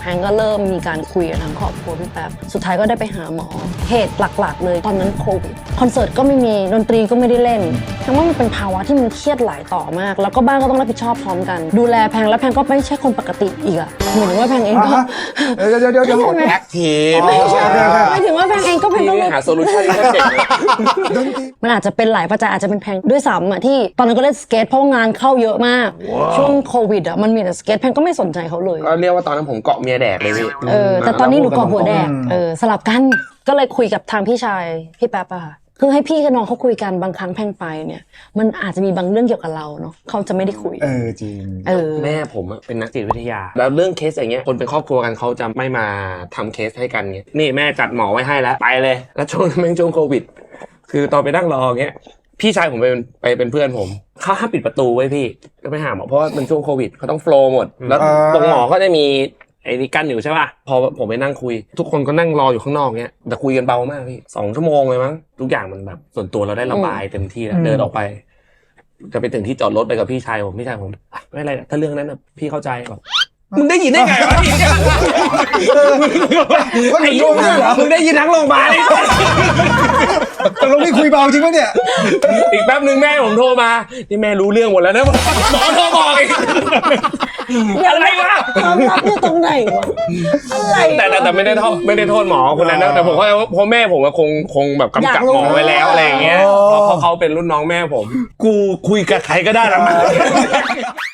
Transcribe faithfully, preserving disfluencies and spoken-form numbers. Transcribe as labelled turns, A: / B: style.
A: แพงก็เริ่มมีการคุยกับทางครอบครัวพี่แป๊บสุดท้ายก็ได้ไปหาหมอเหตุหลักๆเลยตอนนั้นโควิดคอนเสิร์ตก็ไม่มีดนตรีก็ไม่ได้เล่นทั้งว่ามันเป็นภาวะที่มันเครียดหลายต่อมากแล้วก็บ้านก็ต้องรับผิดชอบพร้อมกันดูแลแพงแล้วแพงก็ไม่ใช่คนปกติอีกอะเหมือนว่าแพงเองก็
B: เดี๋ยวเดี๋ยวเดี๋ยวเดี๋ยว
C: แอคทีฟ
A: ไม่ถึงว่าแพงเองก็เป็นต้อง
C: หาโซลูชันก็เก่ง
A: มันอาจจะเป็นหลายปัจจัยอาจจะเป็นแพงด้วยซ้ำอะที่ตอนนั้นก็เล่นสเก็ตเพราะงานเข้าเยอะมากช่วงโควิดอะมันมีแต่สเก็ตแพงก็ไม่สนใจเขาเลย
C: ก็เรียกว่าตอนนั้นผมเกาะเมียแดกเลยพี่
A: เออแต่ตอนนี้หนูเกาะหัวแดกเออสลับกันก็เลยคุยกับทางพี่ชายพี่แป๊บอะค่ะคือให้พี่กับน้องเขาคุยกันบางครั้งแพงไปเนี่ยมันอาจจะมีบางเรื่องเกี่ยวกับเราเนาะเขาจะไม่ได้คุย
B: เออจริง
A: เออ
C: แม่ผมเป็นนักจิตวิทยาแล้วเรื่องเคสอย่างเงี้ยคนเป็นครอบครัวกันเขาจะไม่มาทำเคสให้กันเงี้ยนี่แม่จัดหมอไว้ให้แล้วไปเลยแล้วช่วงแม่งช่วงโควิดคือตอนไปนั่งรอเงี้ยพี่ชายผมไปไปเป็นเพื่อนผมเขาห้ามปิดประตูไว้พี่ก็ไปหาหมอเพราะว่ามันช่วงโควิดเขาต้องโฟลว์หมดแล้วตรงหมอก็จะมีไอ้นี่กั้นอยู่ใช่ป่ะพอผมไปนั่งคุยทุกคนก็นั่งรออยู่ข้างนอกเงี้ยแต่คุยกันเบามากพี่สองชั่วโมงเลยมั้งทุกอย่างมันแบบส่วนตัวเราได้ระบายเต็มที่แล้วเดินออกไปจะไปถึงที่จอดรถไปกับพี่ชายผมพี่ชายผมไม่เป็นไรถ้าเรื่องนั้นนะพี่เข้าใจก่อนมึงได้ยินได้ไงวะพี่ไอ้ยุ่งเหรอมึงได้ยินทั้งโรงพยาบาลเลย
B: ตกลงนี่คุยเบาจริงปะเนี่ย
C: อีกแป๊บนึงแม่ผมโทรมานี่แม่รู้เรื่องหมดแล้วนะหมอโทรบอกอีกอะไรวะ
A: ความลับอยู่ตรงไหนวะอะไร
C: แต่แต่ไม่ได้โทษไม่ได้โทษหมอคนนั้นนะแต่ผมก็เพราะแม่ผมคงคงแบบกำกับหมอไว้แล้วอะไรอย่างเงี้ยเพราะเขาเป็นรุ่นน้องแม่ผมกูคุยกับใครก็ได้แล้ว